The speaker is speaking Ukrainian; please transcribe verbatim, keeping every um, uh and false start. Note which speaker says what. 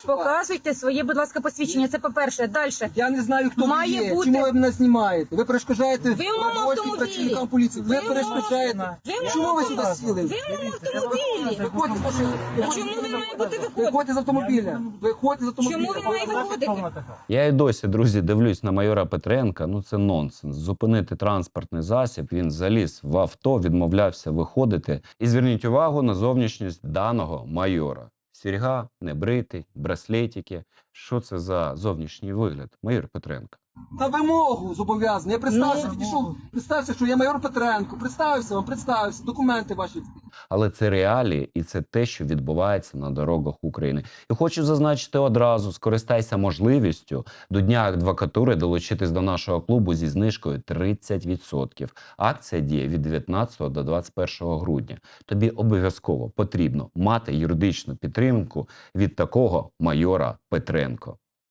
Speaker 1: Показуйте своє, будь ласка, посвідчення. Це по-перше. Далі.
Speaker 2: Я не знаю, хто
Speaker 1: Має
Speaker 2: ви є.
Speaker 1: бути-
Speaker 2: Чому ви мене знімаєте? Ви перешкоджаєте
Speaker 1: Ви в моєму
Speaker 2: роботі
Speaker 1: автомобілі.
Speaker 2: працівникам поліції. Ви
Speaker 1: Ви в моєму-
Speaker 2: перешкоджаєте.
Speaker 1: Ви в моєму
Speaker 2: Чому ви сюди
Speaker 1: автомобілі.
Speaker 2: сіли?
Speaker 1: Ви в моєму автомобілі.
Speaker 2: Виходьте з машини.
Speaker 1: Чому він має бути виходити?
Speaker 2: Виходьте з автомобіля. Виходьте з автомобіля.
Speaker 1: Чому він має виходити?
Speaker 3: Я і досі, друзі, дивлюсь на майора Петренка. Ну це нонсенс. Зупинити транспортний засіб. Він заліз в авто, відмовлявся виходити. І зверніть увагу на зовнішність даного майора. Сірга, небритий, браслетики. Що це за зовнішній вигляд? Майор Петренко.
Speaker 2: На вимогу зобов'язаний. Я представився,
Speaker 1: Ну.
Speaker 2: підійшов, представився, що я майор Петренко. Представився вам, представився, документи ваші.
Speaker 3: Але це реалії і це те, що відбувається на дорогах України. І хочу зазначити одразу, скористайся можливістю до Дня адвокатури долучитись до нашого клубу зі знижкою тридцять відсотків. Акція діє від дев'ятнадцятого до двадцять першого грудня. Тобі обов'язково потрібно мати юридичну підтримку від такого майора Петренко.